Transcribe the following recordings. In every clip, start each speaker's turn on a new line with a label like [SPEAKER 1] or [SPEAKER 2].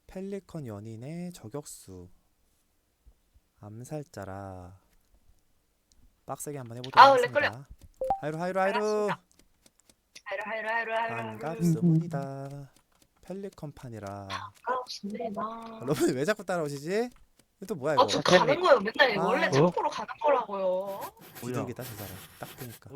[SPEAKER 1] 펠리컨 연인의 저격수 암살자라. 빡세게 한번 해보도록
[SPEAKER 2] 아우 렉 걸려.
[SPEAKER 1] 하겠습니다. 하이루 하이루 하이루.
[SPEAKER 2] 반갑습니다. 하이루 하이루 하이루 하이루.
[SPEAKER 1] 반갑습니다. 펠리컨판이라.
[SPEAKER 2] 반갑습니다.
[SPEAKER 1] 여러분 왜 자꾸 따라오시지? 이거 또 뭐야
[SPEAKER 2] 저
[SPEAKER 1] 이거?
[SPEAKER 2] 가는 거요. 맨날
[SPEAKER 1] 아,
[SPEAKER 2] 원래 창고로 가는 거라고요.
[SPEAKER 1] 비둘기다 저 사람. 딱 보니까.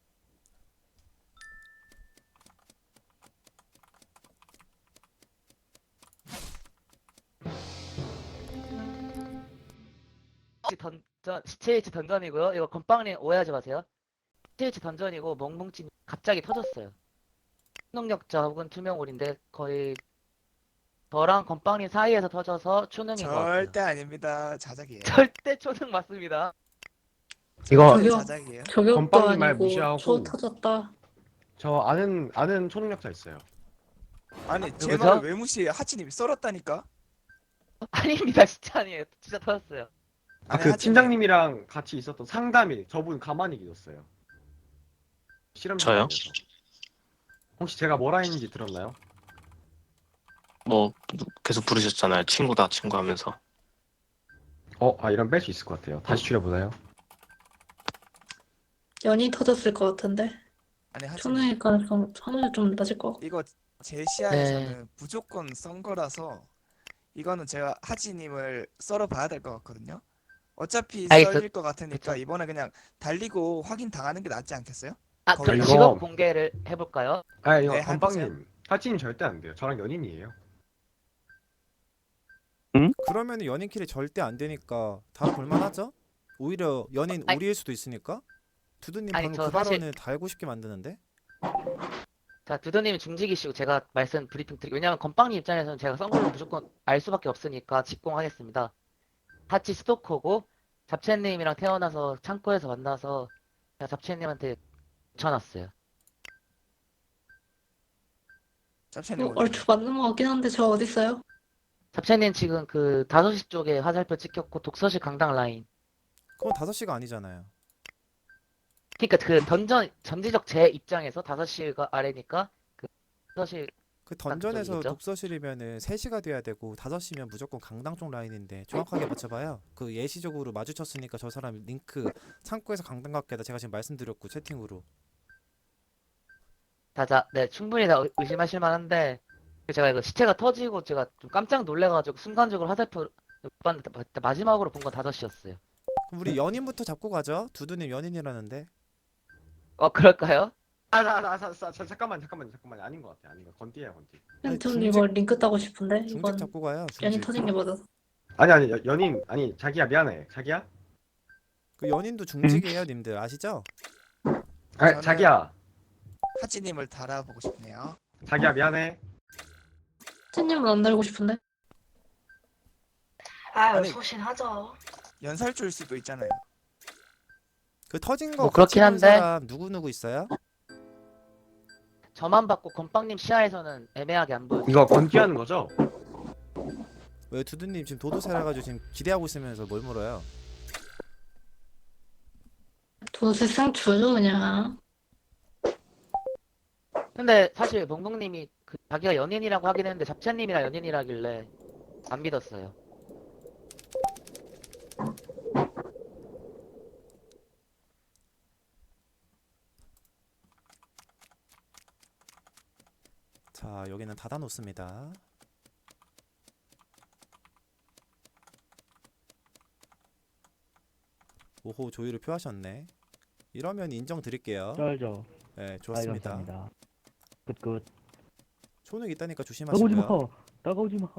[SPEAKER 3] 시체위치 던전이고요. 이거 건빵님 오해하지 마세요. 시체위치 던전이고 멍멍치 갑자기 터졌어요. 초능력자 혹은 투명홀인데 거의 저랑 건빵님 사이에서 터져서 초능인 것 같아요.
[SPEAKER 4] 절대 아닙니다. 자작이에요.
[SPEAKER 3] 절대 초능 맞습니다.
[SPEAKER 5] 이거
[SPEAKER 4] 절대
[SPEAKER 6] 저기요.
[SPEAKER 4] 자작이에요.
[SPEAKER 6] 저격도
[SPEAKER 5] 건빵님 말
[SPEAKER 6] 아니고
[SPEAKER 5] 무시하고.
[SPEAKER 6] 초 터졌다.
[SPEAKER 5] 저 아는 초능력자 있어요.
[SPEAKER 4] 아니 제
[SPEAKER 3] 누구죠?
[SPEAKER 4] 말을 왜 무시해? 하치님이 썰었다니까.
[SPEAKER 3] 아닙니다. 진짜 아니에요. 진짜 터졌어요.
[SPEAKER 4] 아니,
[SPEAKER 5] 그
[SPEAKER 4] 하치님.
[SPEAKER 5] 팀장님이랑 같이 있었던 상담이 저분 가만히 계셨어요.
[SPEAKER 7] 저요?
[SPEAKER 5] 실험실에서. 혹시 제가 뭐라 했는지 들었나요?
[SPEAKER 7] 뭐 계속 부르셨잖아요. 친구다 친구 하면서.
[SPEAKER 5] 이런 뺄 수 있을 것 같아요. 다시 줄여보나요?
[SPEAKER 6] 연이 터졌을 것 같은데.
[SPEAKER 4] 아니 하치님.
[SPEAKER 6] 초능일 가능성 확률이 좀 낮을 것 같고.
[SPEAKER 4] 이거 제 시야에서는 무조건 썬 거라서 이거는 제가 하치님을 썰어봐야 될 것 같거든요. 어차피 썰릴 것 같으니까
[SPEAKER 3] 그쵸.
[SPEAKER 4] 이번에 그냥 달리고 확인 당하는 게 낫지 않겠어요?
[SPEAKER 3] 아,
[SPEAKER 4] 거기서.
[SPEAKER 3] 그
[SPEAKER 5] 이거-
[SPEAKER 3] 직업 공개를 해볼까요?
[SPEAKER 5] 이거
[SPEAKER 4] 네,
[SPEAKER 5] 건빵님. 하치님 절대 안 돼요. 저랑 연인이에요.
[SPEAKER 1] 그러면 연인끼리 절대 안 되니까 다음 볼만하죠? 오히려 연인
[SPEAKER 3] 아니-
[SPEAKER 1] 우리일 수도 있으니까. 두두님
[SPEAKER 3] 아니,
[SPEAKER 1] 방금
[SPEAKER 3] 저
[SPEAKER 1] 그
[SPEAKER 3] 사실-
[SPEAKER 1] 발언을 달고 싶게 만드는데.
[SPEAKER 3] 자, 두두님이 중직이시고 제가 말씀 브리핑 드릴게요. 왜냐면 건빵님 입장에서는 제가 썬 걸로 무조건 알 수밖에 없으니까 직공하겠습니다. 하치 스토커고 잡채님이랑 태어나서 창고에서 만나서 제가 잡채님한테 붙여놨어요.
[SPEAKER 4] 짭채님 어디?
[SPEAKER 6] 얼추 맞는 것 같긴 한데 저 어디 있어요?
[SPEAKER 3] 잡채님 지금 그 5시 쪽에 화살표 찍혔고 독서실 강당 라인.
[SPEAKER 1] 그건 5시가 아니잖아요.
[SPEAKER 3] 그러니까 그 전지적 제 입장에서 5시가 아래니까 그 독서실
[SPEAKER 1] 그 던전에서
[SPEAKER 3] 그쪽이겠죠?
[SPEAKER 1] 독서실이면은 3시가 돼야 되고 5시면 무조건 강당 쪽 라인인데 정확하게 맞춰봐요. 그 예시적으로 마주쳤으니까 저 사람 링크 창고에서 강당 갔게다 제가 지금 말씀드렸고 채팅으로.
[SPEAKER 3] 네, 충분히 다 의심하실 만한데 제가 이거 시체가 터지고 제가 좀 깜짝 놀래가지고 순간적으로 화살표 못 봤는데 마지막으로 본 건 5시였어요.
[SPEAKER 1] 그럼 우리 연인부터 잡고 가죠. 두두님 연인이라는데.
[SPEAKER 3] 그럴까요?
[SPEAKER 5] 잠깐만. 아닌 것 같아. 아닌 것 같아. 건띠예요, 건띠.
[SPEAKER 1] 아니,
[SPEAKER 6] 전 이거 링크 따고 싶은데
[SPEAKER 1] 중직
[SPEAKER 6] 이건
[SPEAKER 1] 잡고 가요.
[SPEAKER 6] 연이
[SPEAKER 1] 중직.
[SPEAKER 6] 터진 게 맞아서.
[SPEAKER 5] 아니, 연인. 아니, 자기야, 미안해. 자기야?
[SPEAKER 1] 그 연인도 중직이에요, 님들 아시죠?
[SPEAKER 4] 저는-
[SPEAKER 5] 자기야.
[SPEAKER 4] 하치님을 달아보고 싶네요.
[SPEAKER 5] 자기야, 미안해.
[SPEAKER 6] 찐님은 안 달고 싶은데.
[SPEAKER 2] 아유
[SPEAKER 4] 아니.
[SPEAKER 2] 소신하죠.
[SPEAKER 4] 연살줄 수도 있잖아요.
[SPEAKER 1] 그 터진 거
[SPEAKER 3] 뭐
[SPEAKER 1] 같이
[SPEAKER 3] 그렇긴
[SPEAKER 1] 본
[SPEAKER 3] 한데.
[SPEAKER 1] 사람 누구 있어요?
[SPEAKER 3] 저만 받고 건빵님 시야에서는 애매하게 안 보여요.
[SPEAKER 5] 이거 건띠하는 거죠?
[SPEAKER 1] 왜 두두님 지금 도도새라 가지고 지금 기대하고 있으면서 뭘 물어요?
[SPEAKER 6] 도세상 주죠 그냥.
[SPEAKER 3] 근데 사실 멍멍님이 그 자기가 연인이라고 하긴 했는데 잡채님이랑 연인이라길래 안 믿었어요.
[SPEAKER 1] 자, 여기는 닫아놓습니다. 오호, 조율을 표하셨네. 이러면 인정 드릴게요.
[SPEAKER 8] 쩔죠.
[SPEAKER 1] 네,
[SPEAKER 8] 아이,
[SPEAKER 1] 좋습니다.
[SPEAKER 8] 감사합니다. 끝.
[SPEAKER 1] 초능 있다니까
[SPEAKER 8] 따가오지
[SPEAKER 1] 조심하시고요.
[SPEAKER 8] 마. 따가오지 마.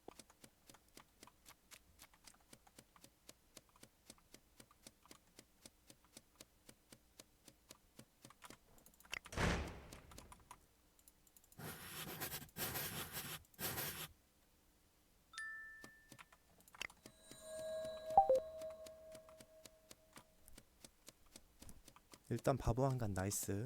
[SPEAKER 1] 일단 바보 한간 나이스.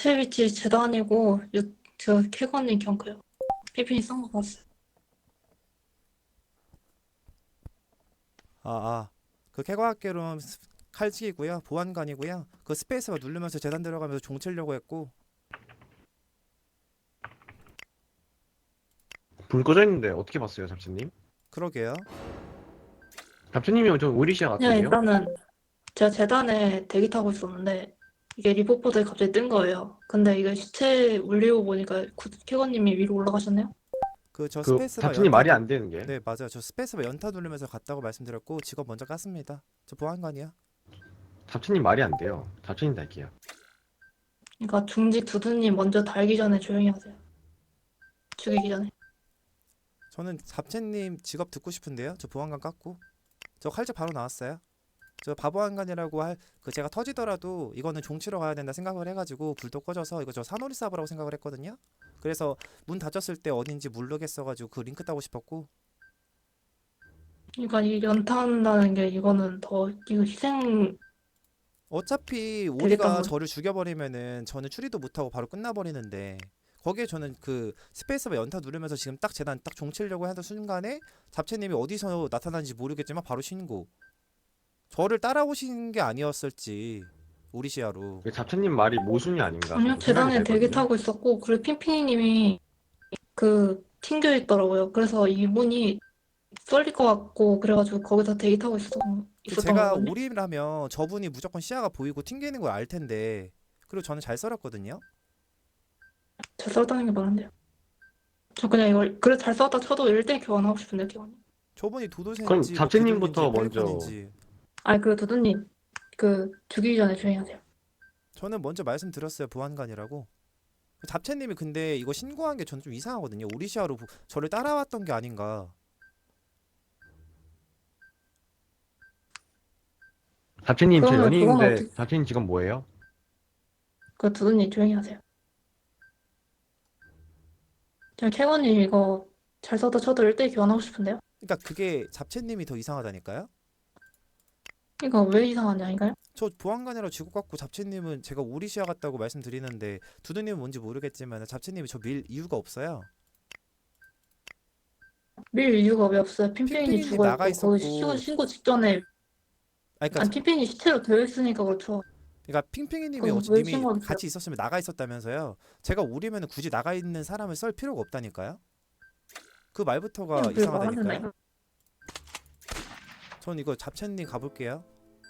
[SPEAKER 6] 시체 위치 재단이고 저 캐건님 경크요. 피핀이 썬 거 봤어요.
[SPEAKER 1] 그 캐과학개론 칼직이고요. 보안관이고요. 그 스페이스바 누르면서 재단 들어가면서 종 치려고 했고
[SPEAKER 5] 불 꺼져 있는데 어떻게 봤어요, 잡채님?
[SPEAKER 1] 그러게요.
[SPEAKER 5] 잡채님이 좀 오리시아
[SPEAKER 6] 그냥
[SPEAKER 5] 같은데요?
[SPEAKER 6] 일단은 제가 재단에 대기 타고 있었는데 이게 리포트에 갑자기 뜬 거예요. 근데 이게 시체 울리고 보니까 캐건님이 위로 올라가셨네요.
[SPEAKER 1] 그 저
[SPEAKER 5] 그
[SPEAKER 1] 스페이스바
[SPEAKER 5] 잡채님 말이 안 되는 게.
[SPEAKER 1] 네 맞아요. 저 스페이스바 연타 누르면서 갔다고 말씀드렸고 직업 먼저 깠습니다. 저 보안관이야.
[SPEAKER 5] 잡채님 말이 안 돼요. 잡채님 달게요.
[SPEAKER 6] 그러니까 중직 두두님 먼저 달기 전에 조용히 하세요. 죽이기 전에.
[SPEAKER 1] 저는 잡채님 직업 듣고 싶은데요. 저 보안관 깠고 저 칼집 바로 나왔어요. 저 바보안관이라고 그 제가 터지더라도 이거는 종치러 가야 된다 생각을 해가지고 불도 꺼져서 이거 저 사노리 사브라고 생각을 했거든요. 그래서 문 닫혔을 때 어딘지 모르겠어가지고 그 링크 따고 싶었고
[SPEAKER 6] 그러니까 이 연타한다는 게 이거는 더 이거 희생
[SPEAKER 1] 어차피
[SPEAKER 6] 되겠다,
[SPEAKER 1] 오리가
[SPEAKER 6] 뭐.
[SPEAKER 1] 저를 죽여버리면은 저는 추리도 못하고 바로 끝나버리는데 거기에 저는 그 스페이스바 연타 누르면서 지금 딱 재단 딱 종치려고 하던 순간에 잡채님이 어디서 나타나는지 모르겠지만 바로 신고 저를 따라오신 게 아니었을지 오리시아로
[SPEAKER 5] 그 잡채님 말이 모순이 아닌가.
[SPEAKER 6] 아니요
[SPEAKER 5] 생각이
[SPEAKER 6] 재단에 대기
[SPEAKER 5] 들거든요.
[SPEAKER 6] 타고 있었고 그리고 핑핑이님이 그 튕겨 있더라고요. 그래서 이분이 쏠릴 것 같고 그래가지고 거기서 대기 타고 있었던
[SPEAKER 1] 제가
[SPEAKER 6] 거거든요.
[SPEAKER 1] 오리라면 저분이 무조건 시야가 보이고 튕기는 걸 알 텐데 그리고 저는 잘 썰었거든요.
[SPEAKER 6] 잘 싸웠다는 게 말한대요. 저 그냥 이걸 그래 잘 싸웠다 쳐도 1대1 교환하고 싶은데 교환.
[SPEAKER 1] 저분이
[SPEAKER 5] 그럼
[SPEAKER 1] 도도새인지
[SPEAKER 5] 잡채님부터 먼저.
[SPEAKER 6] 아니 그 두두님 그 죽이기 전에 조용히 하세요.
[SPEAKER 1] 저는 먼저 말씀드렸어요. 보안관이라고. 잡채님이 근데 이거 신고한 게 전 좀 이상하거든요. 오리시아로 저를 따라왔던 게 아닌가.
[SPEAKER 5] 잡채님 제
[SPEAKER 6] 그러면 그건
[SPEAKER 5] 연인인데
[SPEAKER 6] 어떻게-
[SPEAKER 5] 잡채님 지금 뭐예요?
[SPEAKER 6] 그 두두님 조용히 하세요. 저 캐건님 이거 잘 싸웠다 쳐도 1대1 교환하고 싶은데요.
[SPEAKER 1] 그러니까 그게 잡채님이 더 이상하다니까요.
[SPEAKER 6] 이거 왜 이상하냐니까요?
[SPEAKER 1] 저 보안관이라고 지고 갖고 잡채님은 제가 오리시아 같다고 말씀드리는데 두두님은 뭔지 모르겠지만 잡채님이 저 밀 이유가 없어요.
[SPEAKER 6] 밀 이유가 왜 없어요? 핑핑이
[SPEAKER 1] 핑핑이님
[SPEAKER 6] 죽어
[SPEAKER 1] 나가
[SPEAKER 6] 있고 거기
[SPEAKER 1] 있었고.
[SPEAKER 6] 신고 직전에
[SPEAKER 1] 아니, 그러니까
[SPEAKER 6] 아니 핑핑이 시체로 되어 있으니까 그렇죠.
[SPEAKER 1] 그러니까 핑핑이님이
[SPEAKER 6] 그럼
[SPEAKER 1] 어찌
[SPEAKER 6] 왜
[SPEAKER 1] 님이
[SPEAKER 6] 신고하겠어요?
[SPEAKER 1] 같이 있었으면 나가 있었다면서요. 제가 오리면 굳이 나가 있는 사람을 썰 필요가 없다니까요. 그 말부터가
[SPEAKER 6] 그냥 왜 말하는
[SPEAKER 1] 이상하다니까요.
[SPEAKER 6] 거야?
[SPEAKER 1] 전 이거 잡채님 가볼게요.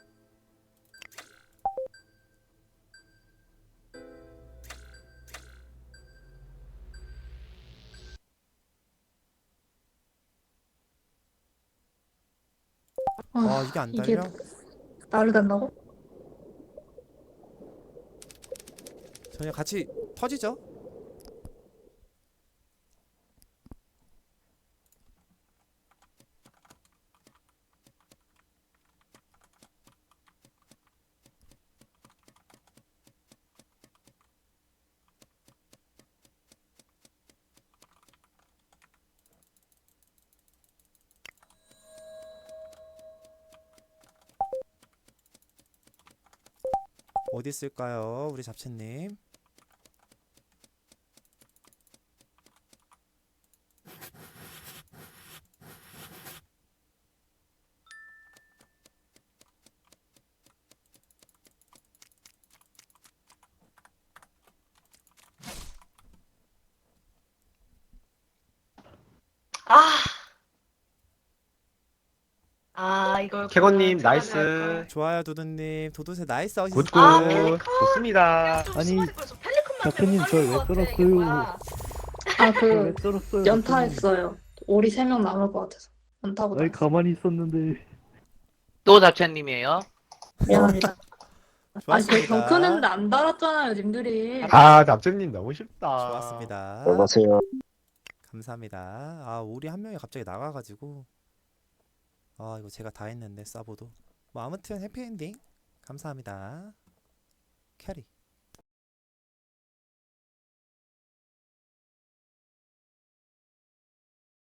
[SPEAKER 6] 아,
[SPEAKER 1] 이게 안
[SPEAKER 6] 이게
[SPEAKER 1] 달려?
[SPEAKER 6] 나를 단다고?
[SPEAKER 1] 저희 같이 터지죠? 어디 있을까요, 우리 잡채님?
[SPEAKER 2] 아. 아, 이걸
[SPEAKER 5] 캐건님
[SPEAKER 2] 제가
[SPEAKER 5] 나이스.
[SPEAKER 2] 할
[SPEAKER 1] 좋아요, 도도님. 도도새 나이스 어시스트.
[SPEAKER 5] 굿굿.
[SPEAKER 2] 아, 펠리컨.
[SPEAKER 5] 좋습니다.
[SPEAKER 8] 아니, 작가님, 저왜 썰었어요?
[SPEAKER 6] 아,
[SPEAKER 8] 왜
[SPEAKER 6] 그
[SPEAKER 8] 썰었어요?
[SPEAKER 6] 연타했어요. 오리 3명 남을 것 같아서 연타보다
[SPEAKER 8] 아니, 가만히 있었는데.
[SPEAKER 3] 또 잡채님이에요.
[SPEAKER 6] 미안합니다. 아니 저
[SPEAKER 1] 좋았습니다.
[SPEAKER 6] 경크는데 안 달았잖아요 님들이.
[SPEAKER 5] 아, 잡채님 너무 쉽다.
[SPEAKER 1] 좋았습니다.
[SPEAKER 7] 안녕하세요.
[SPEAKER 1] 감사합니다. 우리 한 명이 갑자기 나가가지고 이거 제가 다 했는데 사보도. 뭐 아무튼 해피엔딩 감사합니다. 캐리.